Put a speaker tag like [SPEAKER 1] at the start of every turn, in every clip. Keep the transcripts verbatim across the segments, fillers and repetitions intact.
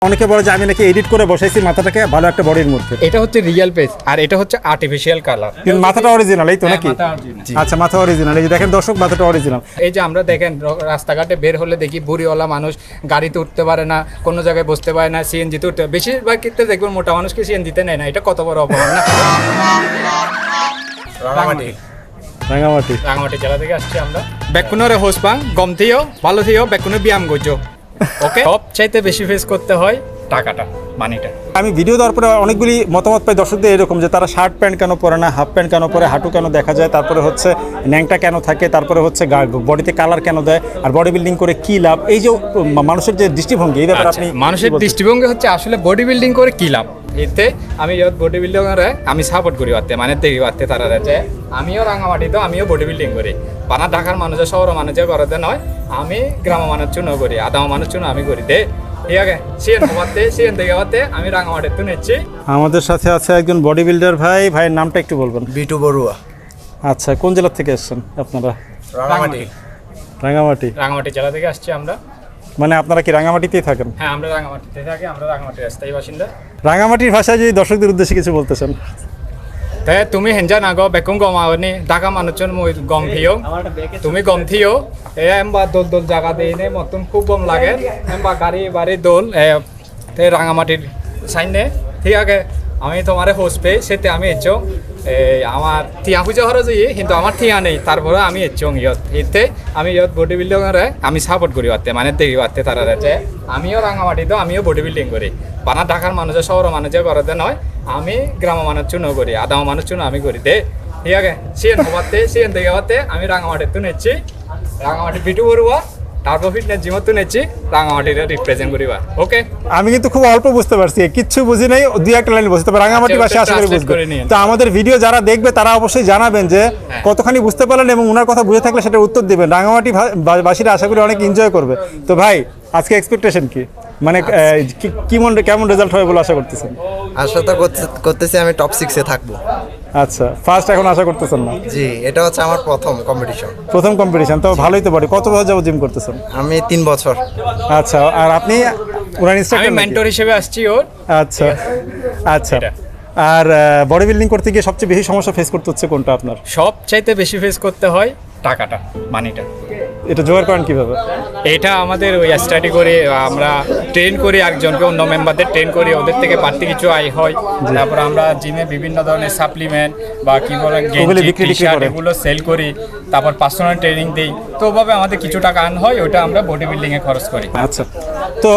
[SPEAKER 1] অনেকে বলে যে আমি নাকি এডিট করে বসাইছি মাথাটাকে ভালো একটা বডির মধ্যে।
[SPEAKER 2] এটা হচ্ছে রিয়েল ফেস আর এটা হচ্ছে আর্টিফিশিয়াল কালার।
[SPEAKER 1] কিন্তু মাথাটা অরিজিনাল এই তো নাকি? আচ্ছা, মাথা অরিজিনাল। এই যে দেখেন দর্শক, মাথাটা অরিজিনাল।
[SPEAKER 2] এই যে আমরা দেখেন রাস্তাঘাটে বের হলে দেখি বুড়িওয়ালা মানুষ গাড়িতে উঠতে পারে না, কোনো জায়গায় বসতে পারে না, সিএনজিতে উঠতে পারে। বেশিরভাগ ক্ষেত্রে দেখবেন মোটা মানুষকে সিএনজিতে নেয় না। এটা কত বড় অপমান না? রাঙামাটি
[SPEAKER 1] রাঙামাটি
[SPEAKER 2] রাঙামাটি জেলা থেকে আসছি আমরা। বেকুনরে হোসপাং গম থিও ভালো থিও বেকুনে ব্যায়াম করছো। ওকে, সব চাইতে বেশি ফেস করতে হয় টাকাটা, মানিটা।
[SPEAKER 1] আমি ভিডিও দেওয়ার পরে অনেকগুলি মতামত পাই দর্শকদের এরকম যে তারা শার্ট প্যান্ট কেন পরে না, হাফ প্যান্ট কেন পরে, হাঁটু কেন দেখা যায়, তারপরে হচ্ছে ন্যাংটা কেন থাকে, তারপরে হচ্ছে বডিতে কালার কেন দেয়, আর বডি বিল্ডিং করে কি লাভ, এই যে মানুষের যে দৃষ্টিভঙ্গি এই ব্যাপারে আপনি
[SPEAKER 2] মানুষের দৃষ্টিভঙ্গি হচ্ছে আসলে বডি বিল্ডিং করে কি লাভ। এতে আমি বডি বিল্ডিং আমি সাপোর্ট করি পারতে, মানে দেখি পারতে তারা যে আমিও রাঙামাটিতে আমিও বডি বিল্ডিং করি। বানা ঢাকার মানুষের শহর মানুষের করতে নয়, আমি গ্রাম মানুষ চুন করি, আদাম মানুষ চুন আমি করি দে। ঠিক আছে, সিএন হওয়াতে সিএন দেখে হওয়াতে আমি রাঙামাটির তো নিচ্ছি।
[SPEAKER 1] আমাদের সাথে আছে একজন বডি বিল্ডার ভাই। ভাইয়ের নামটা একটু বলবেন?
[SPEAKER 3] বিটু বড়ুয়া।
[SPEAKER 1] আচ্ছা, কোন জেলা থেকে এসেছেন আপনারা?
[SPEAKER 2] রাঙামাটি
[SPEAKER 1] রাঙামাটি
[SPEAKER 2] রাঙামাটি জেলা থেকে আসছি আমরা।
[SPEAKER 1] মানে আপনারা কি রাঙামাটিতেই থাকেন?
[SPEAKER 2] হ্যাঁ, আমরা রাঙামাটিতে থাকি, আমরা রাঙামাটির স্থায়ী বাসিন্দা।
[SPEAKER 1] রাঙামাটির ভাষায় যদি দর্শকদের উদ্দেশ্যে কিছু বলতেছেন?
[SPEAKER 2] তাই তুমি হেঞ্জা না গো বেকুম গম আওনি ঢাকা মানুষজন মই গম থিও তুমি গম থিও এ এমবা দোল দোল জায়গা দেই নে মতন খুব গম লাগে এমবা গাড়ি বাড়ি দোল এ তে রাঙামাটির সাইনে। ঠিক আছে, আমি তোমারে হোস পে সেতে আমি এসছো এই আমার থিয়া পুজো হরো যাই, কিন্তু আমার থিয়া নেই, তারপরে আমি এসছো ইয়ত এতে আমি ইয়ত বডি বিল্ডিংরে আমি সাপোর্ট করি পারতে, মানে দেখি পারতে তারা যে আমিও রাঙামাটিতে আমিও বডি বিল্ডিং করি। বানা ঢাকার মানুষের শহর মানুষের করতে নয়, আমি গ্রাম মানুষ চুন করি, আদাম মানুষ চুন আমি করি দে। ঠিক আছে, সিএন হওয়াতে সিএন দেখে হওয়াতে আমি রাঙামাটির তো নিচ্ছি, রাঙামাটি বিটু বড়ুয়া তারপর ফিটনেস জিমত তো নিচ্ছি, রাঙামাটির রিপ্রেজেন্ট করিবা। ওকে,
[SPEAKER 1] আমি কিন্তু খুব অল্প বুঝতে পারছি, কিচ্ছু বুঝি নাই, দুই একটা লাইন বুঝতে পারি রাঙামাটি ভাষা আশা করি বুঝতে। তো আমাদের ভিডিও যারা দেখবে তারা অবশ্যই জানাবেন যে কতখানি বুঝতে পারলেন এবং ওনার কথা বুঝে থাকলে সেটা উত্তর দিবেন। রাঙামাটি বাসীরা আশা করি অনেক এনজয় করবে। তো ভাই, আজকে এক্সপেকটেশন কি, মানে কেমন কেমন রেজাল্ট হবে বলে আশা করতেছেন?
[SPEAKER 3] আশা তো করতেছি আমি টপ সিক্সে থাকবো।
[SPEAKER 1] আচ্ছা, ফার্স্ট এখন আশা করতেছেন না?
[SPEAKER 3] জি, এটা হচ্ছে আমার প্রথম কম্পিটিশন।
[SPEAKER 1] প্রথম কম্পিটিশন তো ভালোই তো বডি। কত বছর যাবো জিম করতেছেন?
[SPEAKER 3] আমি তিন বছর।
[SPEAKER 1] আচ্ছা, আর আপনি ওনার
[SPEAKER 2] আমি
[SPEAKER 1] ইনস্ট্রাক্টর?
[SPEAKER 2] মেন্টর হিসেবে আসছি ওর।
[SPEAKER 1] আচ্ছা আচ্ছা, আর বডি বিল্ডিং করতে গিয়ে সবচেয়ে বেশি সমস্যা ফেস করতে হচ্ছে কোনটা আপনার?
[SPEAKER 2] সব চাইতে বেশি ফেস করতে হয় টাকাটা, মানিটা।
[SPEAKER 1] এটা জোগাড় করেন কিভাবে?
[SPEAKER 2] এটা আমাদের ওই স্টাডি করে আমরা ট্রেন করি, একজনকে অন্য মেম্বারদের ট্রেন করি, ওদের থেকে বাড়তি কিছু আয় হয়। তারপর আমরা জিমে বিভিন্ন ধরনের সাপ্লিমেন্ট বা কি বলে এগুলো সেল করি, তারপর পার্সোনাল ট্রেনিং দিই। তো ওভাবে আমাদের কিছু টাকা আর্ন হয়, ওটা আমরা বডি বিল্ডিংয়ে খরচ করি।
[SPEAKER 1] আচ্ছা, তো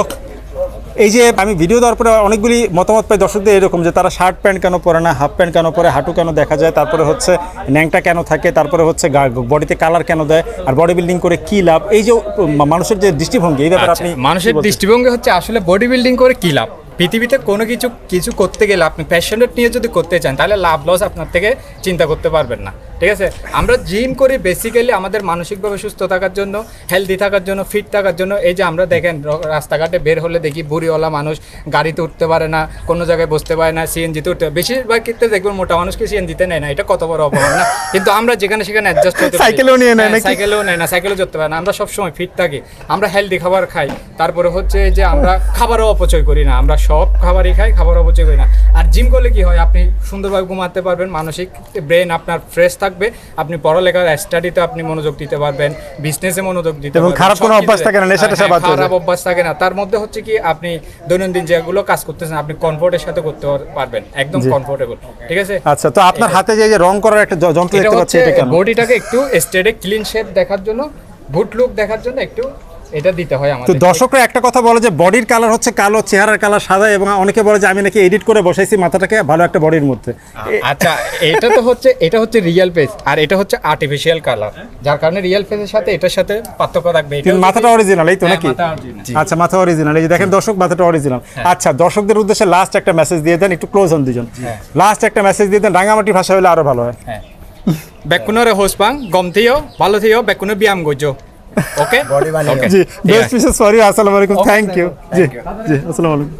[SPEAKER 1] এই যে আমি ভিডিও দেওয়ার পরে অনেকগুলি মতামত পাই দর্শকদের এরকম যে তারা শার্ট প্যান্ট কেন পরে না, হাফ প্যান্ট কেন পরে, হাঁটু কেন দেখা যায়, তারপরে হচ্ছে ন্যাংটা কেন থাকে, তারপরে হচ্ছে বডিতে কালার কেন দেয়, আর বডি বিল্ডিং করে কি লাভ, এই যে মানুষের যে দৃষ্টিভঙ্গি এই ব্যাপারে আপনি?
[SPEAKER 2] মানুষের দৃষ্টিভঙ্গি হচ্ছে আসলে বডি বিল্ডিং করে কি লাভ। পৃথিবীতে কোনো কিছু কিছু করতে গেলে আপনি প্যাশনেট নিয়ে যদি করতে চান তাহলে লাভ লস আপনার থেকে চিন্তা করতে পারবেন না। ঠিক আছে, আমরা জিম করি বেসিক্যালি আমাদের মানসিকভাবে সুস্থ থাকার জন্য, হেলদি থাকার জন্য, ফিট থাকার জন্য। এই যে আমরা দেখেন রাস্তাঘাটে বের হলে দেখি বুড়িওয়ালা মানুষ গাড়িতে উঠতে পারে না, কোনো জায়গায় বসতে পারে না, সিএনজিতে উঠতে পারে। বেশিরভাগ ক্ষেত্রে দেখবেন মোটা মানুষকে সিএনজিতে নেয় না। এটা কত বড় অপমান না? কিন্তু আমরা যেখানে সেখানে অ্যাডজাস্ট হতে পারি,
[SPEAKER 1] সাইকেলেও নিয়ে নেয় না,
[SPEAKER 2] সাইকেলেও নেয় না, সাইকেলেও চড়তে পারে না। আমরা সবসময় ফিট থাকি, আমরা হেলদি খাবার খাই, তারপরে হচ্ছে যে আমরা খাবারও অপচয় করি না, আমরা সব খাবারই খাই, খাবার অপচয় করি না। আর জিম করলে কি হয়, আপনি সুন্দরভাবে ঘুমাতে পারবেন, মানসিক ব্রেন আপনার ফ্রেশ থাকবে, আপনি পড়ালেখার স্টাডিতে আপনি মনোযোগ দিতে পারবেন, বিজনেসে মনোযোগ দিতে পারবেন,
[SPEAKER 1] খারাপ কোনো অভ্যাস থাকে না, নেশা টেশা বাদ হয়ে যায়,
[SPEAKER 2] খারাপ অভ্যাস থাকে না। তার মধ্যে হচ্ছে কি আপনি দৈনন্দিন যেগুলো কাজ করতেছেন আপনি কমফোর্টের সাথে করতে পারবেন, একদম কমফোর্টেবল। ঠিক আছে।
[SPEAKER 1] আচ্ছা, তো আপনার হাতে যে রং করার একটা যন্ত্র দেখতে পাচ্ছি, এটা কেন?
[SPEAKER 2] বডিটাকে একটু স্টেডে ক্লিন শেপ দেখার জন্য, গুড লুক দেখার জন্য একটু এটা দিতে হয় আমাদের।
[SPEAKER 1] তো দর্শকরা একটা কথা বলে যে বডির কালার হচ্ছে কালো, চেহারার কালার সাদা, এবং অনেকে বলে যে আমি নাকি এডিট করে বসাইছি মাথাটাকে ভালো একটা বডির মধ্যে।
[SPEAKER 2] আচ্ছা, এটা তো হচ্ছে এটা হচ্ছে রিয়েল ফেস আর এটা হচ্ছে আর্টিফিশিয়াল কালার, যার কারণে রিয়েল ফেসের সাথে এটার সাথে পার্থক্য থাকবে।
[SPEAKER 1] কিন্তু মাথাটা অরিজিনাল এই তো নাকি? আচ্ছা, মাথা অরিজিনাল। এই যে দেখেন দর্শক, মাথাটা অরিজিনাল। আচ্ছা, দর্শকদের উদ্দেশ্যে লাস্ট একটা মেসেজ দিয়ে দেন, একটু ক্লোজ হন দুজন। লাস্ট একটা মেসেজ দিয়ে দেন, রাঙামাটি ভাষা হলে আরো ভালো হয়।
[SPEAKER 2] হ্যাঁ, বেকুনরে হোসপাং গম থিও ভালো থিও বেকুনে ব্যায়াম করছো। ওকে,
[SPEAKER 3] বডি বানিয়ে
[SPEAKER 1] জি, বেস্ট উইশেস ফর ইউ। আসসালামু আলাইকুম, থ্যাংক ইউ। জি জি, আসসালামু আলাইকুম।